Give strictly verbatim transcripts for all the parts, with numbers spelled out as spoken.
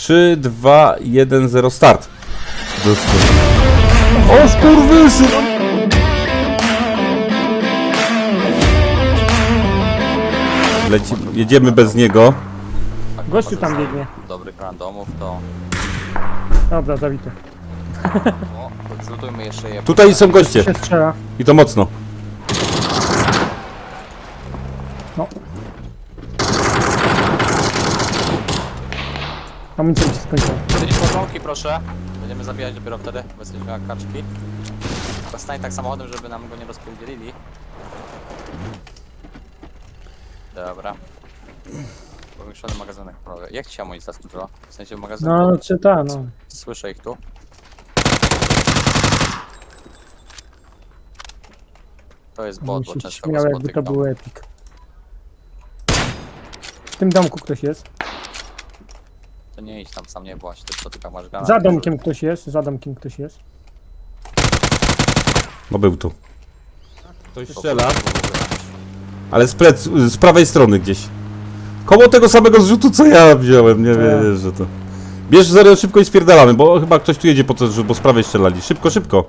trzy, dwa, jeden, zero, start. O skurwysy! Leci, jedziemy bez niego. Gościu tam biegnie. Dobrych randomów to... Dobra, zabity. O, zlutujmy jeszcze je. Tutaj są goście. Się strzela. I to mocno. No. Amunicja mi się skończyła. Podnieś podłąki proszę. Będziemy zabijać dopiero wtedy, bo jesteśmy jak kaczki. Stań tak samochodem, żeby nam go nie rozpierdzielili. Dobra. Powiększony magazynek prawie. Jak ci się amunicja skończyła? W sensie w magazynku? No, czy ta, no. Słyszę ich tu. To jest bot, Mi bo się często go śmiał, jakby to spotykam. był epic. W tym domku ktoś jest. To nie idź tam sam, nie bądź, ty spotykam masz granat. Za domkiem ktoś jest, za domkiem ktoś jest. No był tu. Ktoś strzela. Ale z, plec, z prawej strony gdzieś. Koło tego samego zrzutu co ja wziąłem, nie wiesz, że to. Bierz zero szybko i spierdalamy, bo chyba ktoś tu jedzie po to, bo z prawej strzelali. Szybko, szybko.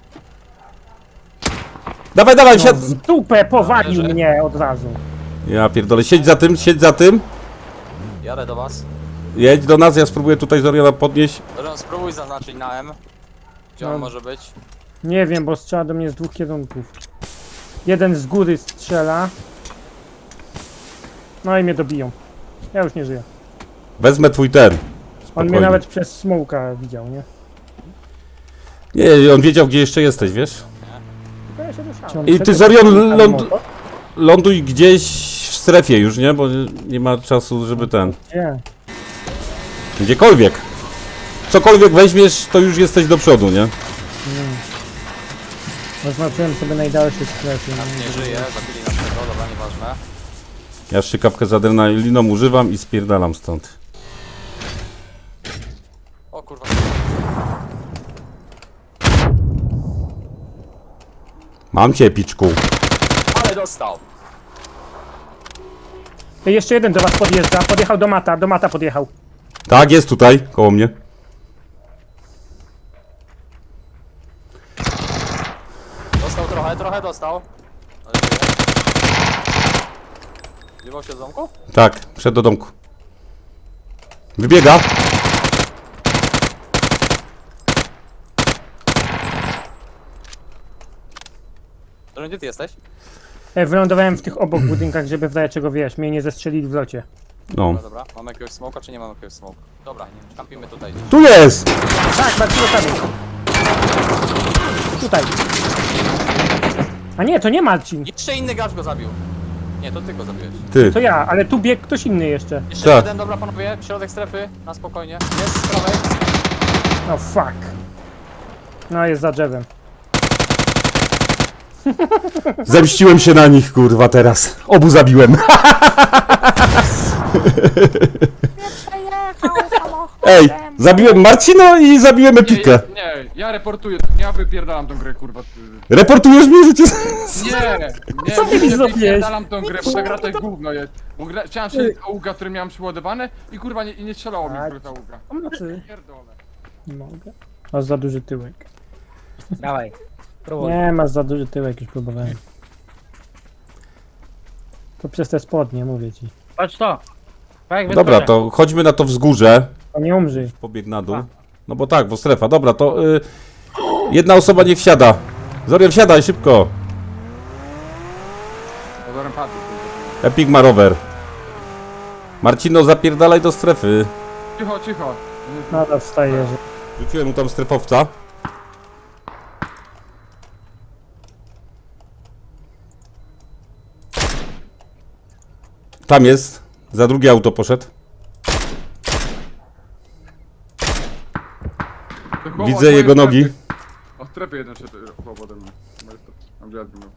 Dawaj, dawaj, No, siad... w dupę powalił Leży. mnie od razu. Ja pierdolę, siedź za tym, siedź za tym. Jadę do was. Jedź do nas, ja spróbuję tutaj Zoriana podnieść. Dobra, spróbuj zaznaczyć na M. Gdzie on No. może być? Nie wiem, bo strzela do mnie z dwóch kierunków. Jeden z góry strzela. No i mnie dobiją. Ja już nie żyję. Wezmę twój ten. On Spokojnie. mnie nawet przez smołka widział, nie? Nie, on wiedział gdzie jeszcze jesteś, wiesz? Tylko ja się ruszałem. I ty, Zorion, ląd... ląduj gdzieś w strefie już, nie? Bo nie ma czasu, żeby ten... Gdzie? Gdziekolwiek. Cokolwiek weźmiesz, to już jesteś do przodu, nie? Zaznaczyłem sobie najdalsze strefy. Nie żyje, zabili nas tego, dobra, nieważne. Ja szczykawkę z adrenaliną używam i spierdalam stąd. O kurwa. Mam cię, piczku. Ale dostał! Ej, jeszcze jeden do was podjeżdża. Podjechał do mata, do mata podjechał. Tak, jest tutaj, koło mnie. Dostał trochę, trochę dostał. Ale żyje. Wiewał się z domku? Tak, wszedł do domku. Wybiega. To gdzie ty jesteś? Ej, wylądowałem w tych obok budynkach, żeby w razie czego wiesz, mnie nie zestrzelili w locie. No. No dobra, mamy jakiegoś smoka czy nie mamy jakiegoś smoka? Dobra, nie, kampimy tutaj. Tu jest! Tak, bardzo tam. Tutaj. A nie, to nie Marcin. Jeszcze inny gracz go zabił. Nie, to ty go zabiłeś. Ty. To ja, ale tu biegł ktoś inny jeszcze. Jeszcze Tak. jeden, dobra panowie, środek strefy, na spokojnie. Jest z prawej. No fuck. No jest za drzewem. Zemściłem się na nich, kurwa, teraz. Obu zabiłem. Ej, zabiłem Marcino i zabiłem Epikę. Nie, nie, ja reportuję, ja wypierdalam tą grę, kurwa. Reportujesz mnie, że cię... Nie, nie, Co ty mi nie zrobiłeś? wypierdalam tą grę, bo ta gra to jest gówno jest. Bo gra, chciałem strzelić auga, który miałem przyładowane i kurwa nie, i nie strzelało mi Tak. w ta auga. Pomocy. Pierdolę. Nie mogę. Masz za duży tyłek. Dawaj, próbuj. Nie, masz za duży tyłek, już próbowałem. To przez te spodnie, mówię ci. Patrz to. Tak, jak Dobra, wyskoczę. to chodźmy na to wzgórze. To nie umrzyj. Pobieg na dół. No bo tak, bo strefa. Dobra, to y, jedna osoba niech wsiada. Zorian, wsiadaj szybko. Pozorem padł. kurwa. Epic ma rower. Marcino, zapierdalaj do strefy. Cicho, cicho. Nadal wstaje, że... Rzuciłem mu tam strefowca. Tam jest. Za drugie auto poszedł. To chłop Widzę od mojej jego nogi. strefy. Od strefy jeden szedł chłop ode mnie. Mam wiatr miał.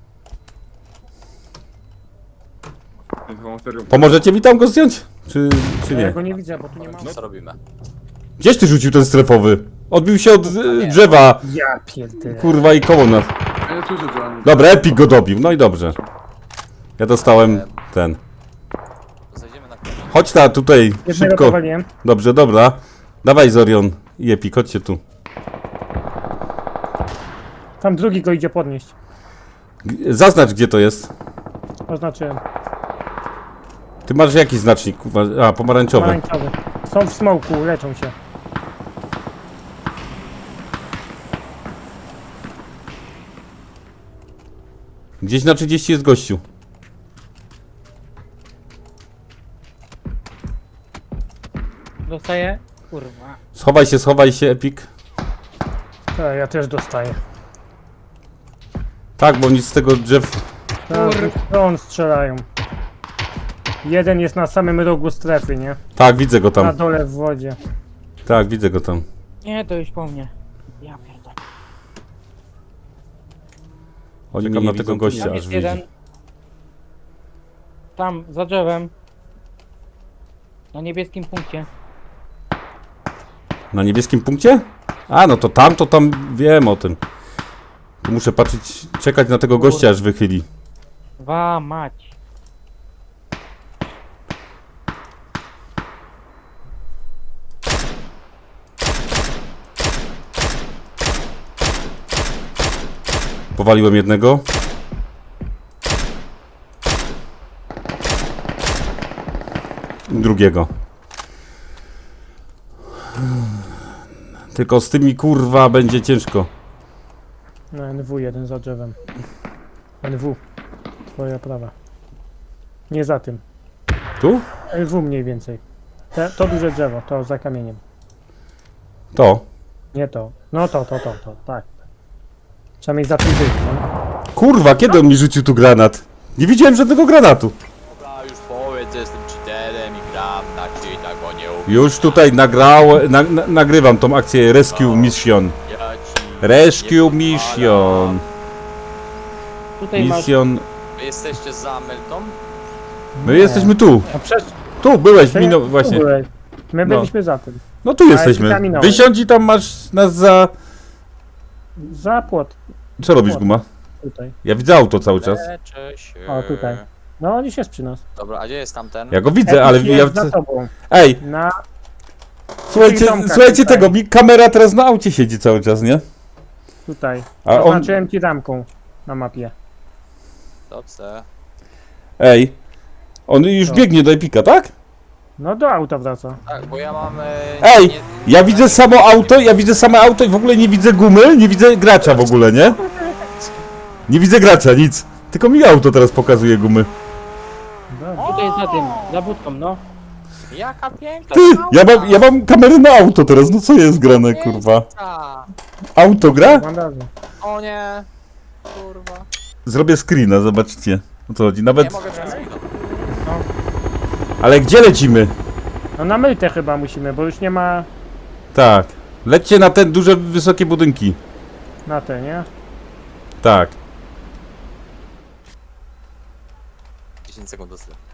Więc mam serio. Pomożecie mi tam go zdjąć? Czy, czy Ja nie? go nie widzę, bo tu nie ma... Co robimy? Gdzieś ty rzucił ten strefowy? Odbił się od y, drzewa. Ja pierdolę. Kurwa i koło nas. Ja nie słyszę, że oni... Dobra, Epic go dobił. No i dobrze. Ja dostałem ten. Zejdziemy na chwilę. Chodź ta tutaj, Jednego szybko. powaliłem. Dobrze, dobra. Dawaj Zorion i Epik, chodźcie tu. Tam drugi go idzie podnieść. G- Zaznacz, gdzie to jest. Oznaczyłem. Ty masz jaki znacznik? kurwa? A, pomarańczowy. Pomarańczowy. Są w smoku, leczą się. Gdzieś na trzydzieści jest gościu. Dostaję. Kurwa. Schowaj się, schowaj się, Epik. Tak, ja też dostaję. Tak, bo nic z tego drzew... Tak, stron strzelają. Jeden jest na samym rogu strefy, nie? Tak, widzę go Na tam. dole w wodzie. Tak, widzę go tam. Nie, to już po mnie. Ja pierdolę. Oni Czekam mnie na nie tego widzą, gościa Tam aż jest wyjdzie. jeden. Tam, za drzewem. Na niebieskim punkcie. Na niebieskim punkcie? A, no to tam, to tam wiem o tym. Tu muszę patrzeć, czekać na tego gościa, aż wychyli. Wa mać. Powaliłem jednego. Drugiego. Tylko z tymi kurwa będzie ciężko. No N W jeden za drzewem. N W. Twoja prawa. Nie za tym. Tu? N W mniej więcej. Te, to duże drzewo, to za kamieniem. To. Nie to. No to, to, to, to, tak. Przynajmniej za tym być, no. Kurwa, kiedy on mi rzucił tu granat? Nie widziałem żadnego granatu. Dobra, już powiedz, że jestem cheaterem i gram na cheatach, bo nie umiem. Już tutaj nagrał, na, na, nagrywam tą akcję Rescue Mission. Ja ci Rescue nie Mission. Tutaj masz. Mission. Wy jesteście za Melton? My jesteśmy tu. A przecież Tu byłeś, ty minął tu właśnie. byłeś. My No. byliśmy za tym. No tu jesteśmy. ja minąłem. Wysiądź i tam masz nas za... Za płot. Co robisz, Guma? Tutaj. Ja widzę auto cały czas. Leczę się. O, tutaj. No on już jest przy nas. Dobra, a gdzie jest tamten? Ja go widzę, ale Epic ja... jest za tobą. Ej, Na... słuchajcie, Tomka słuchajcie tutaj. tego, mi kamera teraz na aucie siedzi cały czas, nie? Tutaj. A on... Oznaczyłem ci ramką na mapie. Dobrze. Ej, on już Co? biegnie do Epika, tak? No do auta wraca. Tak, bo ja mam... E, Ej, nie- ja widzę samo auto, ja widzę same auto i w ogóle nie widzę gumy, nie widzę gracza w ogóle, nie? Nie widzę gracza, nic. Tylko mi auto teraz pokazuje gumy. Dobra. Tutaj za tym, za budką, no. Jaka piękna Ty, ja małpa. mam, ja mam kamerę na auto teraz, no co jest grane, kurwa? Piękna. Auto gra? Bandaże. O nie. Kurwa. Zrobię screena, zobaczcie. O co chodzi, Nie nawet... mogę przez chwilę. Ale gdzie lecimy? No na mytę chyba musimy, bo już nie ma Tak. Lećcie na te duże, wysokie budynki. na te, nie? Tak. dziesięć sekund do stylu.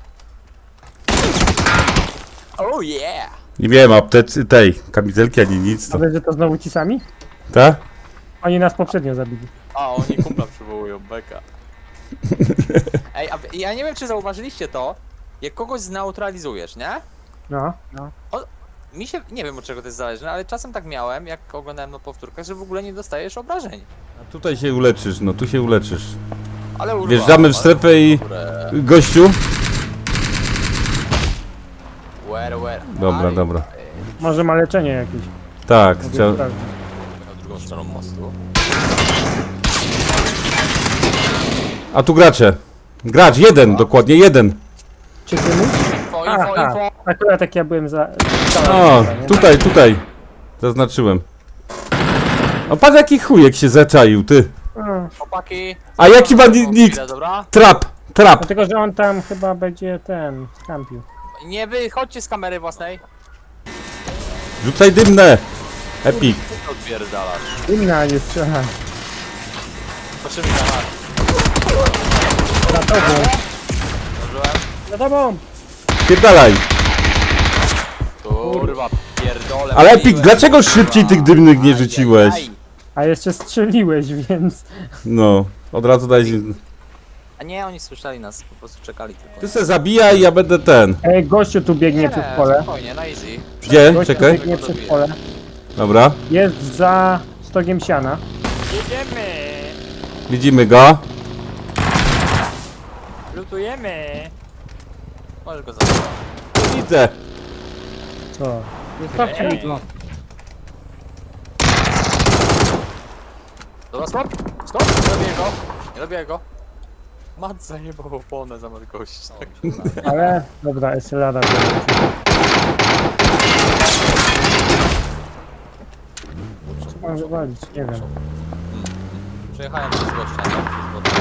Oh yeah! Nie wiem, aptec tej, kamizelki ani nic, to... Ale że to znowu ci sami? Tak? Oni nas poprzednio zabili. A, oni kumpla przywołują, beka. Ej, a wy- ja nie wiem, czy zauważyliście to, jak kogoś zneutralizujesz, nie? No. Mi się, nie wiem od czego to jest zależne, ale czasem tak miałem, jak oglądałem na powtórkach, że w ogóle nie dostajesz obrażeń. A tutaj się uleczysz, no tu się uleczysz. Ale urwa, Wjeżdżamy w ale strefę i... dobre. Gościu? Where, where? Dobra, Aj, dobra. Może ma leczenie jakieś. Tak, Mogę chciał... sprawdzić. Na drugą stroną mostu. A tu gracze. Gracz, jeden, dokładnie jeden. Czy ty mówisz? Info, info, Aha, info! akurat jak ja byłem za... O, nie? tutaj, tutaj. Zaznaczyłem. O, patrz jaki chujek się zaczaił, ty. Mm, Chłopaki! A jaki ma Chwilę, nick? Dobra? Trap, trap. Dlatego, że on tam chyba będzie ten, skampił. Nie wychodźcie z kamery własnej. Rzucaj dymne. Epic. Co odpierdalasz? Inna nie strzela. Patrzymy na nas. Za tobą. Zdążyłem? Za tobą! Pierdalaj. Kurwa, pierdolę. Ale Epic, mówiłem, dlaczego kurwa. szybciej tych dymnych nie Aj, rzuciłeś? aj, aj. A jeszcze strzeliłeś, więc... No, od razu daj... A nie, oni słyszeli nas, po prostu czekali tylko. Ty se zabijaj, ja będę ten. Ej, gościu tu biegnie przez pole. spokojnie, na easy. Gdzie? Gościu Czekaj. biegnie przez pole. Dobra. Jest za stogiem siana. Jedziemy! Widzimy go. Lutujemy! Możesz go zabrać. Widzę. Co? Zostawcie mi go. Dobra, stop! Stop! Nie robię go! Nie robię go! Mat zajebał oponę zamiast gościa. Ale, dobra, Eselada. Co mam wywalić? Nie wiem. Przejechałem przez gościa, nie? Przez wodę.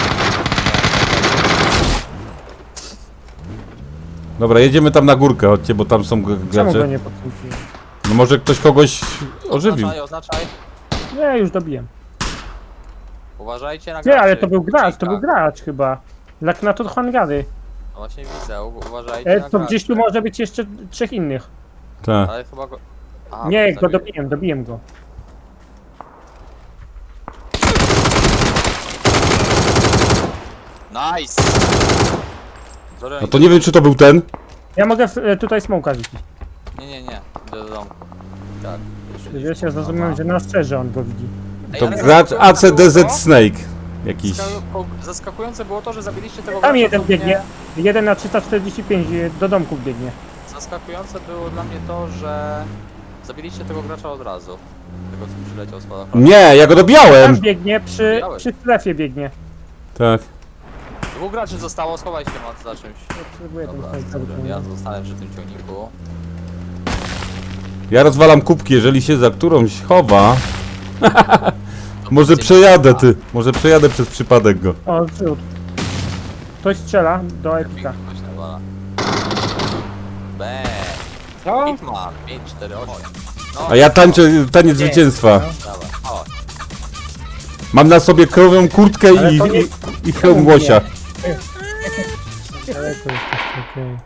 Dobra, jedziemy tam na górkę, chodźcie, bo tam są g- Czemu go gracze. nie podkręciłem? No może ktoś kogoś ożywił. Oznaczaj, oznaczaj. Nie, już dobiłem. Uważajcie na Nie, graczy. ale to był gracz, to Cika. był gracz chyba. Laknatur Hangary. No właśnie widzę, u- uważajcie E, na to graczy. gdzieś tu może być jeszcze trzech innych. Tak. Ale chyba go... A, Nie, to go zabiję. dobiłem, dobiłem go. Nice! Sorry, No to nie wiem, czy to był ten. Ja mogę w, e, tutaj smoka rzucić. Nie, nie, nie. Idę do domu. Tak. Wiesz, ja zrozumiałem, że na strzeże on go widzi. Ej, To ale gracz A C D Z zaskakujące Snake. Jakiś. było- Zaskakujące było to, że zabiliście tego Tam gracza, jeden co mnie- biegnie. Jeden na trzysta czterdzieści pięć e, do domków biegnie. Zaskakujące było dla mnie to, że zabiliście tego gracza od razu. Tego co przyleciał z spadochronem. Nie, ja go Tam dobijałem. biegnie, przy, Widziałeś. przy strefie biegnie. Tak. Dwóch graczy zostało, schowaj się Mat za czymś. Ja potrzebuję ten Dobra, snajper. dobra, ja zostanę przy tym ciągniku. Ja rozwalam kubki, jeżeli się za którąś chowa. To Może będzie przejadę na- ty. Może przejadę przez przypadek go. O, wrzód. Ktoś strzela do epika. Ktoś nawala. Bang! Co? Hitman, pięć cztery osiem. No, A ja tańczę taniec zwycięstwa. dawaj, chodź. Mam na sobie krową kurtkę Ale i, to nie- i, i hełm łosia. Ale to jest okej.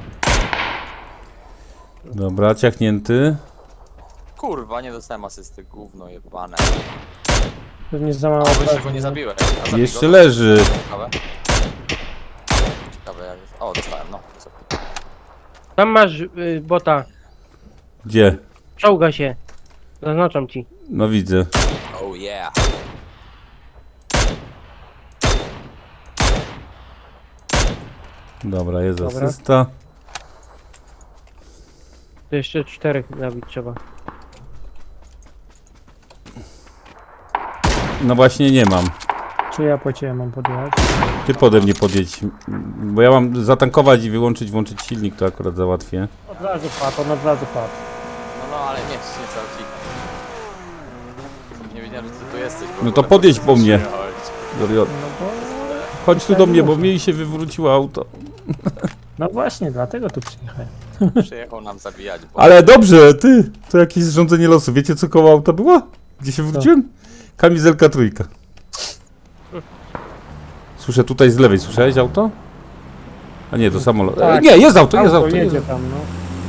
Dobra, ciachnięty. Kurwa, nie dostałem asysty, gówno jebane. Pewnie za mało A, jeszcze obrażeń, go nie nie? zabiłeś. A zabij Jeszcze go. leży. Ciekawe. Ciekawe jak jest. O, dostałem, no. jest okej. Tam masz y, bota. Gdzie? Czołga się. Zaznaczam ci. No widzę. Oh yeah. Dobra, jest Dobra. asysta. To jeszcze czterech zabić trzeba. No właśnie nie mam. Czy ja po ciebie mam podjechać? Ty pode mnie podjedź. Bo ja mam zatankować i wyłączyć, włączyć silnik, to akurat załatwię. Od razu padł, on od razu padł. No, no, ale nie, nie cały cik. Nie wiedziałem, że ty tu jesteś. bo No to wolę podjedź prostu po mnie. przyjechać. Zorion, No bo... chodź tu do mnie, bo mnie się wywróciło auto. No właśnie, dlatego tu przyjechałem. Przyjechał nam zabijać, bo... Ale dobrze, ty, to jakieś zrządzenie losu. Wiecie co koło auta było? Gdzie się wróciłem? Kamizelka trójka. Słyszę tutaj z lewej, słyszałeś auto? A nie, to samolot. E, Tak. nie, jest auto, jest Auto auto. Jest. jedzie tam, no.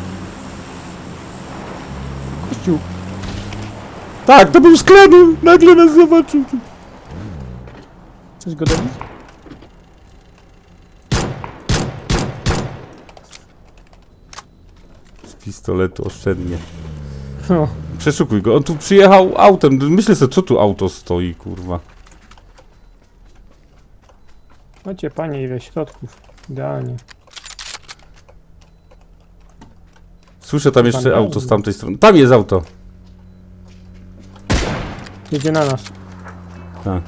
Kościół. Tak, to był sklep, nagle nas zobaczył. Chcesz go dobić? Z pistoletu oszczędnie. No. Przeszukuj go, on tu przyjechał autem. Myślę sobie, co tu auto stoi, kurwa. Macie panie ile środków. Idealnie. Słyszę tam jeszcze Pan auto Dawid. z tamtej strony. Tam jest auto. Jedzie na nas. Tak.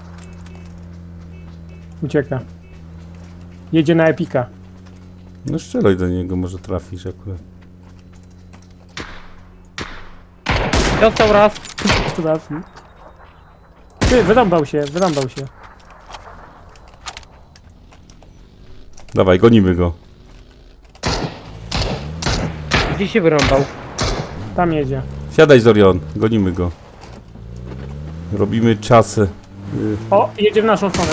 Ucieka. Jedzie na epika. No strzelaj do niego, może trafisz akurat. Dostał raz. Trafi. Ty, wyrąbał się, wyrąbał się. Dawaj, gonimy go. Gdzie się wyrąbał? Tam jedzie. Siadaj Zorion, gonimy go. Robimy czasy. Y, O, jedzie w naszą stronę.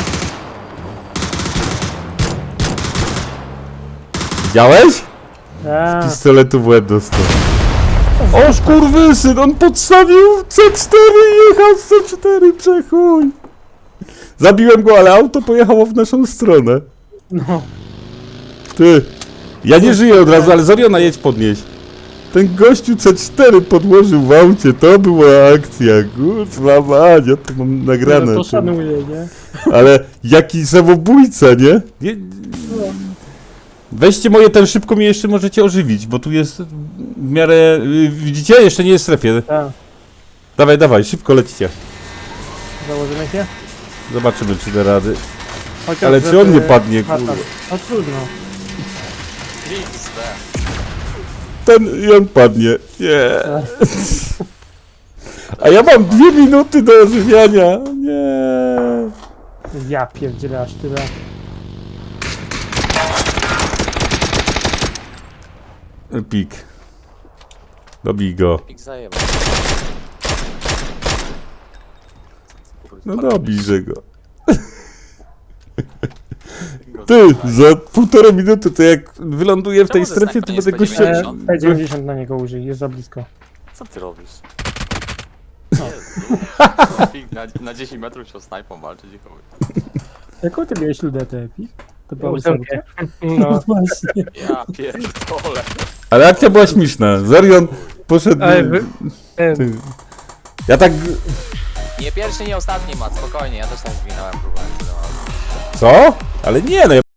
Widziałeś? A, Pistoletu w łeb dostał. O skurwysyn, on podstawił C cztery i jechał z C cztery, przechuj. Zabiłem go, ale auto pojechało w naszą stronę. No, Ty. Ja nie żyję od razu, ale Zoriona jedź podnieść. Ten gościu C cztery podłożył w aucie, to była akcja, kurwa mać, ja to mam nagrane. to ty. szanuję, nie? Ale jaki samobójca, nie? nie? Weźcie moje ten szybko mnie jeszcze możecie ożywić, bo tu jest w miarę... y, Widzicie? Jeszcze nie jest w strefie. Tak, Dawaj, dawaj, szybko lećcie. założymy się? Zobaczymy, czy da rady. Chociaż, Ale czy żeby- on nie padnie, A, kurwa? tak. No trudno. X D. Ten i on padnie. Nie. A ja mam dwie minuty do ożywiania. Nie. Ja pierdzielę aż tyle. Pik. Dobij go. X zajebał. No dobijże go. Ty, za półtorej minuty to jak wyląduję w tej Czemu ze strefie, snajpa to nie będę gościa... spodziewałem się? P dziewięćdziesiąt na niego użyj, jest za blisko. Co ty robisz? No. Jezu. na, na dziesięć metrów się o snajpą walczyć i chuj. Jaką ty miałeś ludetę, Epi? To była Ósemkę. ósemka? No właśnie. Ja pierdolę. Ale akcja była śmieszna. Zorion poszedł... Ale wy- ten- Ty. Ja tak... Nie pierwszy, nie ostatni mat, spokojnie, ja też tak zginąłem, próbowałem. Co? Ale nie, no ja